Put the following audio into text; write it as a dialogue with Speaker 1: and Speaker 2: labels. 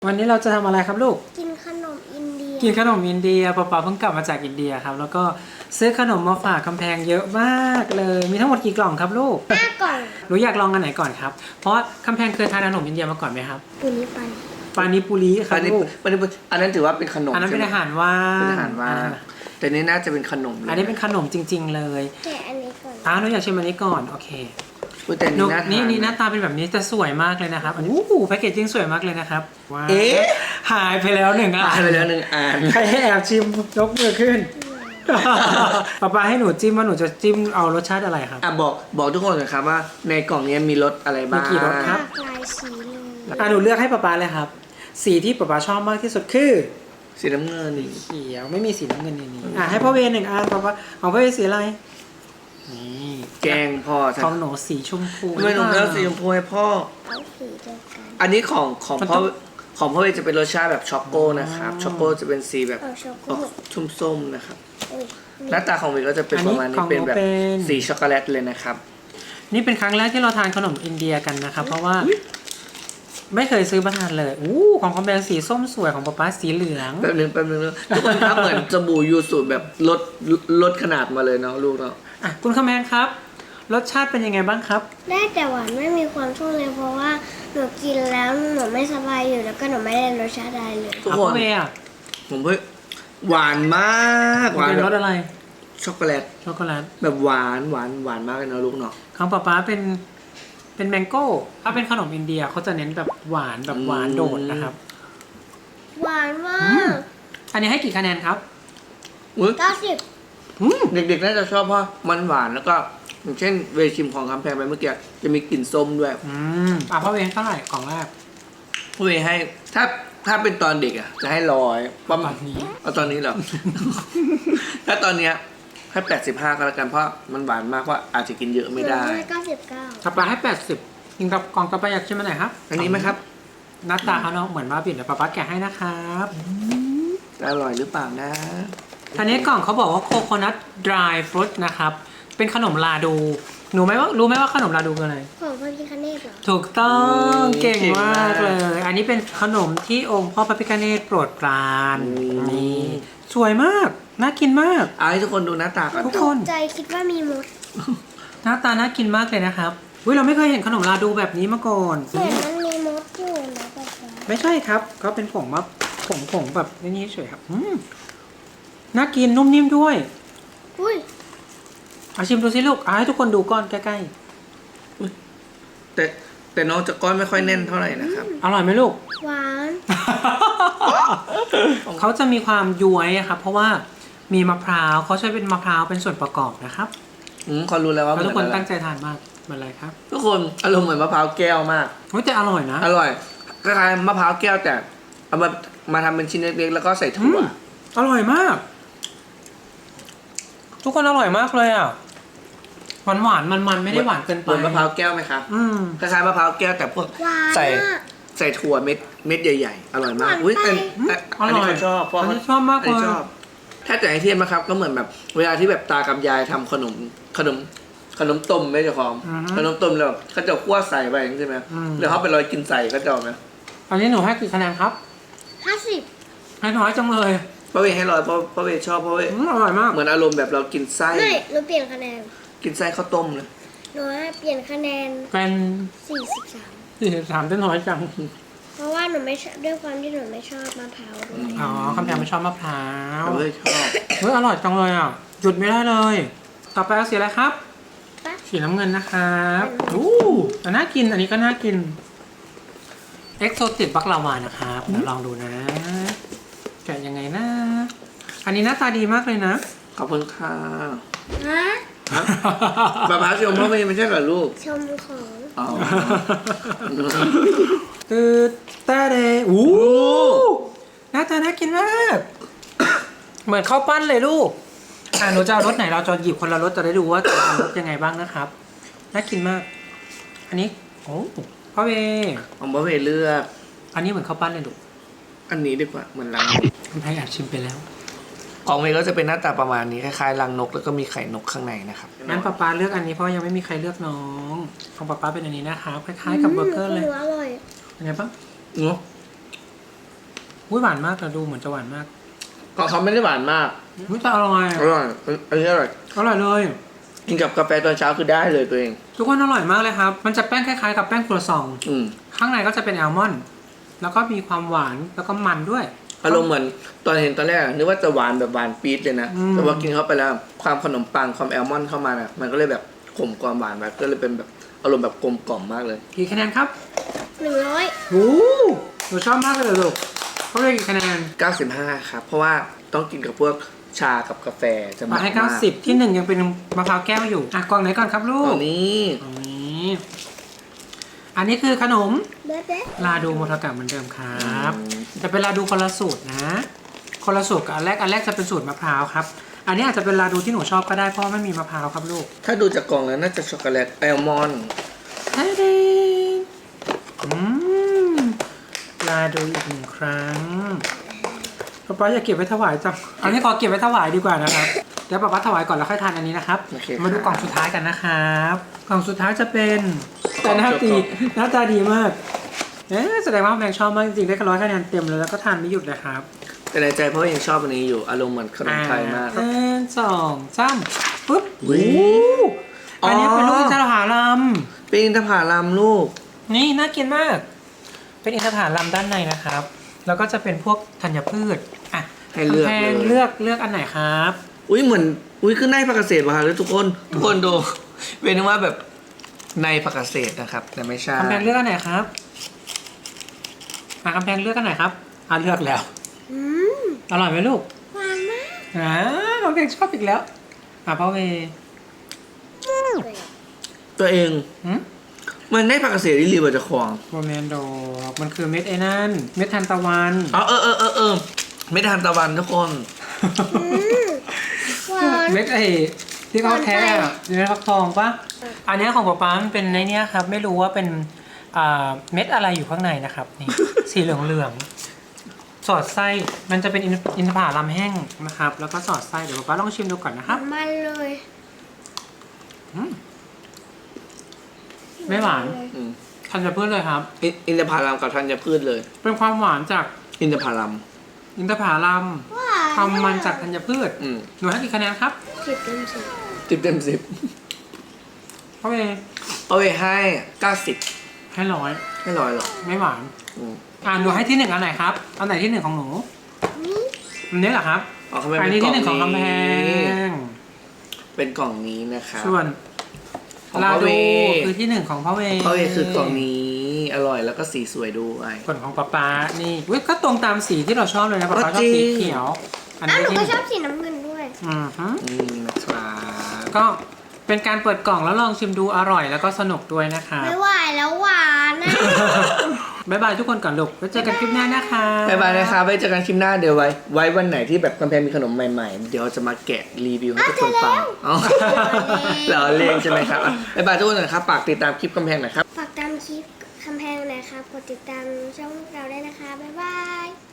Speaker 1: วันนี้เราจะทำอะไรครับลูก
Speaker 2: กินขนมอินเดีย
Speaker 1: ป๊าเพิ่งกลับมาจากอินเดียครับแล้วก็ซื้อขนมมาฝากคำแพงเยอะมากเลยมีทั้งหมดกี่กล่องครับลูก
Speaker 2: 5 กล่อง
Speaker 1: หนูอยากลองอันไหนก่อนครับเพราะคำแพงเคยทานขนมอินเดียมาก่อนไหมครับปานิปุรีครับลูก
Speaker 3: อันนั้นถือว่าเป็นขนม
Speaker 1: อันนั้นเป็นอาหารว่าง
Speaker 3: เป็นอาหารว่างแต่นี่น่าจะเป็นขนม
Speaker 1: อันนี้เป็นขนมจริงๆเลย
Speaker 2: แกะอันนี้ก่อน
Speaker 1: หนูอยากชิมอันนี้ก่อนโอเค
Speaker 3: แต่
Speaker 1: นี่หน้าตาเป็นแบบนี้แต่สวยมากเลยนะครับอันนี้แพ็กเกจจิ้งสวยมากเลยนะครับหายไปแล้ว1 อันใครให้แอบชิมยกมือขึ้นป๊าให้หนูจิ้มว่าหนูจะจิ้มเอารสชาติอะไรครับ
Speaker 3: บอกทุกคนนะครับว่าในกล่องนี้มีรสอะไรบ้าง
Speaker 1: มีกี่รสครับ
Speaker 2: หลายสีเลย
Speaker 1: หนูเลือกให้ป๊าเลยครับสีที่ป๊าชอบมากที่สุดคือ
Speaker 3: สีน้ำเงิน
Speaker 1: เขียวไม่มีสีน้ำเงินในนี้ให้พ่อเว1 อันป๊าของพ่อเวสีอะไรนี่
Speaker 3: แกงพ่อ
Speaker 1: ของหนูสีชมพู
Speaker 3: ไม่หนูเลือกสีชมพูให้พ่ออันนี้ของพ่อเวจะเป็นรสชาติแบบช็อกโกนะครับช็อกโกจะเป็นสีแบบส้มๆนะครับหน้าตาของเวก็จะเป็นประมาณนี้เป็นแบบสีช็อกโกแลตเลยนะครับ
Speaker 1: นี่เป็นครั้งแรกที่เราทานขนมอินเดียกันนะครับเพราะว่าไม่เคยซื้อมาทานเลยของคอมแบงสีส้มสวยของป๊าสีเหลือง
Speaker 3: แป๊บนึงทุกคนครับเหมือนสบู่ยูสุแบบลดขนาดมาเลยเนาะลูกเนาะ
Speaker 1: คุณคอมแบงครับรสชาติเป็นยังไงบ้างครับ
Speaker 2: ได้แต่หวานไม่มีความชุ่มเลยเพราะว่าหนูกินแล้วหนูไม่สบายอยู่แล้วก็หนูไม่ได้รสชาติอะไรเลย
Speaker 3: ทุกคนผมเพิ่งหวานมาก
Speaker 1: หวานเป็นรสอะไร
Speaker 3: ช็อกโกแลตแบบหวานมากเลยนะลูกเนาะ
Speaker 1: ของป๊าเป็นแมงโก้ถ้าเป็นขนมอินเดียเขาจะเน้นแบบหวานโดดนะครับ
Speaker 2: หวานมาก
Speaker 1: อันนี้ให้กี่คะแนนครับ
Speaker 2: 90
Speaker 3: เด็กๆน่าจะชอบเพราะมันหวานแล้วก็อย่างเช่นเวชิมของคำแพงไปเมื่อกี้จะมีกลิ่นส้มด้วย
Speaker 1: พ่อเวเท่าไหร่กล่องแรก
Speaker 3: พ่อเวให้ถ้าเป็นตอนเด็กอ่ะจะให้100ประมาณนี้เอาตอนนี้เหรอ ถ้าตอนเนี้ยให้85ก็แล้วกันเพราะมันหวานมากว่าอาจจะกินเยอะไม่ได้
Speaker 2: 99
Speaker 1: ป๊าให้80กินกับกล่องต่อไปอยากชิมอันไหนครับ
Speaker 3: อันนี้ไหมครับ
Speaker 1: หน้าตาเขาเนาะเหมือนบ้าบิ่นเดี๋ยวป๊าแกะให้นะครับ
Speaker 3: อร่อยหรือเปล่านะ
Speaker 1: อันนี้กล่องเขาบอกว่าโคโคนัทดรายฟรุตนะครับเป็นขนมลาดูรู้ไหมว่าขนมลาดูคืออะไร
Speaker 2: ของพระพิฆเนศเหรอ
Speaker 1: ถูกต้องเก่งมากเลยอันนี้เป็นขนมที่องค์พ่อพระพิฆเนศโปรดปรานนี่สวยมากน่ากินมาก
Speaker 3: ให้ทุกคนดูหน้าตาก่อน
Speaker 1: ทุกคน
Speaker 2: ใจคิดว่ามีมด
Speaker 1: หน้าตาน่ากินมากเลยนะครับเราไม่เคยเห็นขนมลาดูแบบนี้มาก่อน
Speaker 2: แต่มันมีมดอยู่นะป๊า
Speaker 1: ไม่ใช่ครับเขาเป็นผงแบบนี้เฉยครับน่ากินนุ่มนิ่มด้วยเอาชิมดูสิลูกให้ทุกคนดูก้อนใกล้
Speaker 3: ๆแต่น้องจะก้อนไม่ค่อยแน่นเท่าไหร่นะครับ
Speaker 1: อร่อยไหมลูก
Speaker 2: หวาน
Speaker 1: เขาจะมีความย้วยครับเพราะว่ามีมะพร้าวเขาใช้เป็นมะพร้าวเป็นส่วนประกอบนะครับ
Speaker 3: เขารู้แล้วว่า
Speaker 1: ทุกคนตั้งใจทานมากเหมือนอะไรครับ
Speaker 3: ทุกคนอารมณ์เหมือนมะพร้าวแก้วมาก
Speaker 1: แต่อร่อยนะ
Speaker 3: อร่อยคล้ายๆมะพร้าวแก้วแต่เอามาทำเป็นชิ้นเล็กๆแล้วก็ใส่ถั่ว
Speaker 1: อร่อยมากทุกคนอร่อยมากเลยหวานมันไม่ได้หวานเกินไป
Speaker 3: เหมือนมะพร้าวแก้วไหมครับคล้ายๆมะพร้าวแก้วแต่พวกใส่ถั่วเม็ดใหญ่ๆอร่อยมากอันนี้ชอบ
Speaker 1: อันนี้ชอบมากเลย
Speaker 3: ถ้าแต่ไอเทียมนะครับก็เหมือนแบบเวลาที่แบบตากับยายทำขนมต้มไม่ใช่ของขนมต้มแล้วเขาจะคั่วใส่ไปใช่ไหมแล้วเขาไปลอยกินใส่เขาจะไหม
Speaker 1: อันนี้หนูให้กี่คะแนนครับ
Speaker 2: 50
Speaker 1: ให้น้อยจังเลย
Speaker 3: พ่อเวให้100เพราะเวชอบเพราะเว
Speaker 1: อร่อยมาก
Speaker 3: เหมือนอารมณ์แบบเรากินไส้
Speaker 2: ไม่หนูเปลี่ยนคะแนน
Speaker 3: กินไส้ข้าวต้มเลย
Speaker 2: หนูเปลี่ยนคะแนน
Speaker 1: เป็น
Speaker 2: 43
Speaker 1: ได้น้อยจัง
Speaker 2: เพราะว่าหนูไม่ชอบด้วยความที่หนูไม่ชอบมะพร้าวด้วย
Speaker 1: คำแพงไม่ชอบมะพร้าว
Speaker 3: ชอบ
Speaker 1: อร่อยจังเลยหยุดไม่ได้เลยต่อไปเอาสีอะไรครับสีน้ำเงินนะครับแต่น่ากินอันนี้ก็น่ากินเอ็กโซติกบักลาวานะครับลองดูนะแกะยังไงนะอันนี้หน้าตาดีมากเลยนะ
Speaker 3: ขอบคุณค่ะป๊าชมพ่อไม่ใช่เหรอลูก
Speaker 2: ชมของ
Speaker 1: แต่เดหน้าตาน่ากินมากเหมือนข้าวปั้นเลยลูกหนูจะเอารสไหนเราจะหยิบคนละรสจะได้ดูว่าจะเอารสยังไงบ้างนะครับน่ากินมากอันนี้พ่อเว
Speaker 3: ของพ่อเวเลือก
Speaker 1: อันนี้เหมือนข้าวปั้นเลยลูก
Speaker 3: อันนี้ดีกว่าเหมือนรัง
Speaker 1: คุณไทยอยากชิมไปแล้ว
Speaker 3: ของเวก็จะเป็นหน้าตาประมาณนี้คล้ายๆรังนกแล้วก็มีไข่นกข้างในนะครับ
Speaker 1: งั้นป๊าเลือกอันนี้เพราะยังไม่มีใครเลือกน้องของป๊าเป็นอันนี้นะครับคล้ายๆกับเบอร์เกอร์เลย
Speaker 2: อร่อย
Speaker 1: เป็นไงบ้างอุ้ยหวานมากแต่ดูเหมือนจะหวานมาก
Speaker 3: ของเขาไม่ได้หวานมาก
Speaker 1: อุ้ยแต่อร่อย
Speaker 3: อร่อยอันนี้อร่อย
Speaker 1: อร่อยเลย
Speaker 3: กินกับกาแฟตอนเช้าคือได้เลยตัวเอง
Speaker 1: ทุกคนอร่อยมากเลยครับ มันจะแป้งคล้ายๆกับแป้งครัวซอง
Speaker 3: อืม
Speaker 1: ข้างในก็จะเป็นแอลมอนด์แล้วก็มีความหวานแล้วก็มันด้วย
Speaker 3: อารมณ์เหมือนตอนเห็นตอนแรกอะนึกว่าจะหวานแบบหวานปี๊ดเลยนะ
Speaker 1: อืม
Speaker 3: แต่ว่ากินเข้าไปแล้วความขนมปังความแอลมอนด์เข้ามาน่ะมันก็เลยแบบขมความหวานไปก็เลยเป็นแบบอารมณ์แบบกลมกล่อมมากเลย
Speaker 1: กี่คะแนนครับ
Speaker 2: 100
Speaker 1: โอ้หนูชอบมากเลยเหรอลูกเขาเรียกกี่คะแนน
Speaker 3: 95ครับเพราะว่าต้องกินกับพวกชากับกาแฟจะ
Speaker 1: มา
Speaker 3: มา
Speaker 1: ให้
Speaker 3: มาก
Speaker 1: 90ที่หนึ่งยังเป็นมะพร้าวแก้วอยู่อ่ะกล่องไหนก่อนครับลู
Speaker 3: ต
Speaker 1: ก
Speaker 3: อนนี้
Speaker 1: ตรงนี้อันนี้คือขนม
Speaker 2: เบ๊ะ
Speaker 1: ลาดูโมทากะเหมือนเดิมครับจะเป็นลาดูคนละสูตรนะคนละสูตรกับอันแรกจะเป็นสูตรมะพร้าวครับอันนี้อาจจะเป็นลาดูที่หนูชอบก็ได้เพราะไม่มีมะพร้าวครับลูก
Speaker 3: ถ้าดูจากกล่องแล้วน่าจะช็อกโกแลตแอลมอนด์
Speaker 1: ฮาเดลาดูอีกหนึ่งครั้งป๊าป๊าอย่าเก็บไว้ถวายจังอันนี้ขอเก็บไว้ถวายดีกว่านะครับเดี๋ยวป๊าป๊าถวายก่อนแล้วค่อยทานอันนี้นะครับ
Speaker 3: โอเค
Speaker 1: มาดูกล่องสุดท้ายกันนะครับกล่องสุดท้ายจะเป็นแต่หน้าตาดีมากแสดงว่าแมงชอบมากจริงๆได้100 คะแนนเต็มเลยแล้วก็ทานไม่หยุดเลยครับ
Speaker 3: แต่ในใจเพราะยังชอบอันนี้อยู่อารมณ์เหมือนขนมไทยมาก
Speaker 1: 1 2 3ปุ๊บ
Speaker 3: อุ๊ย
Speaker 1: อันนี้เป็นลูกอินทผลัม
Speaker 3: เป็นอินทผลัมลูก
Speaker 1: นี่น่ากินมาก เป็นอินทผลัมด้านในนะครับ แล้วก็จะเป็นพวกธัญพืชอ่ะ
Speaker 3: ให้เลือก
Speaker 1: กำแพง
Speaker 3: เลย
Speaker 1: เลือกอันไหนครับ
Speaker 3: อุ้ยเหมือนอุ้ยคือในผักเกษตรมาเลยทุกคนดู เป็นว่าแบบในผักเกษตรนะครับ แต่ไม่ใช่
Speaker 1: กำแพงเลือกอันไหนครับกำแพงเลือกอันไหนครับเลือกแล้ว
Speaker 2: อืม
Speaker 1: อร่อยไหมลูก
Speaker 2: หวานมาก
Speaker 1: กำแพงชอบอีกแล้วพ่อเว
Speaker 3: ตัวเอง
Speaker 1: หืม
Speaker 3: มันในผักเกษตรที่รีบจะควง
Speaker 1: โรแมนโดอกมันคือเม็ดไอ้นั่นเม็ดทานตะวัน
Speaker 3: อ๋อเออไม่ทานตะวันทุกคน
Speaker 2: หวาน
Speaker 1: เม็ดไอ้ที่เขาแท้อะอยู่ในฟักทองปะอันเนี้ยของป๊าป๊ามันเป็นในเนี้ยครับไม่รู้ว่าเป็นเม็ดอะไรอยู่ข้างในนะครับนี่ สีเหลืองๆสอดไส้มันจะเป็นอินทผลัมแห้งนะครับ แล้วก็สอดไส้เดี๋ยวป๊าป๊าลองชิมดูก่อนนะครับ
Speaker 2: มันเลย
Speaker 1: อืมไม่หวาน
Speaker 3: อืม
Speaker 1: ธัญพืชเลยครับ
Speaker 3: อินทผลัมกับธัญพืชเลย
Speaker 1: เป็นความหวานจาก
Speaker 3: อินทผลัม
Speaker 1: อินทผลัม
Speaker 2: หวาน
Speaker 1: ความมันจากธัญพืช
Speaker 3: อืม
Speaker 1: หนูให้กี่คะแนนครับ
Speaker 2: 10 เต็ม 10
Speaker 3: 10 เต็ม 10
Speaker 1: พ่อเว
Speaker 3: เอาไปให้90
Speaker 1: ให้100
Speaker 3: ไม่ร้อยหรอก
Speaker 1: ไม่หวาน
Speaker 3: อืม
Speaker 1: หนูให้ที่ 1อันไหนครับอันไหนที่ 1ของหนู
Speaker 2: นี่
Speaker 1: อันนี้เหรอครับ
Speaker 3: อ๋อเขาไม่
Speaker 1: อัน
Speaker 3: เป็
Speaker 1: นี้
Speaker 3: นกล่
Speaker 1: ที่
Speaker 3: อง
Speaker 1: 1ของกำแพ
Speaker 3: นี้
Speaker 1: ง
Speaker 3: เป็นกล่องนี้นะครับ
Speaker 1: ส่วน
Speaker 3: ของ
Speaker 1: ลา
Speaker 3: พ่อเว
Speaker 1: ดูคือที่ 1ของพ่อเว
Speaker 3: พ่อเวคือกล่องนี้อร่อยแล้วก็สีสวยด้วย
Speaker 1: ส่วนของป๊าป๊านี่อุ๊ยก็ตรงตามสีที่เราชอบเลยนะป๊าป๊าชอบสีเขียว อัน
Speaker 2: อ้าว
Speaker 1: นี้
Speaker 2: หนู
Speaker 1: ที่
Speaker 2: ก็ชอบสีน้ำเงินด้วย
Speaker 1: ฮึ
Speaker 3: นะครับ
Speaker 1: ก็เป็นการเปิดกล่องแล้วลองชิมดูอร่อยแล้วก็สนุกด้วยนะคะ
Speaker 2: ไม่ไหวแล้วหวานนะ
Speaker 1: บ๊ายบายทุกคนก่อนลูกไว้เจอกันคลิปหน้านะคะ
Speaker 3: บ๊ายบายนะครับไว้เจอกันคลิปหน้าเดี๋ยวไว้วันไหนที่แบบกำแพงมีขนมใหม่ๆ เดี๋ยวจะมาแกะรีวิวให้ทุกคนฟังอ๋อเราเล่นใช่ไหมครับอ่ะบ๊ายบายทุกคนนะครับฝากติดตามคลิปกำแพงหน่อยครับ
Speaker 2: ฝากตามคลิปคำแพงหน่อยครับกดติดตามช่องเราได้นะคะ บ๊ายบาย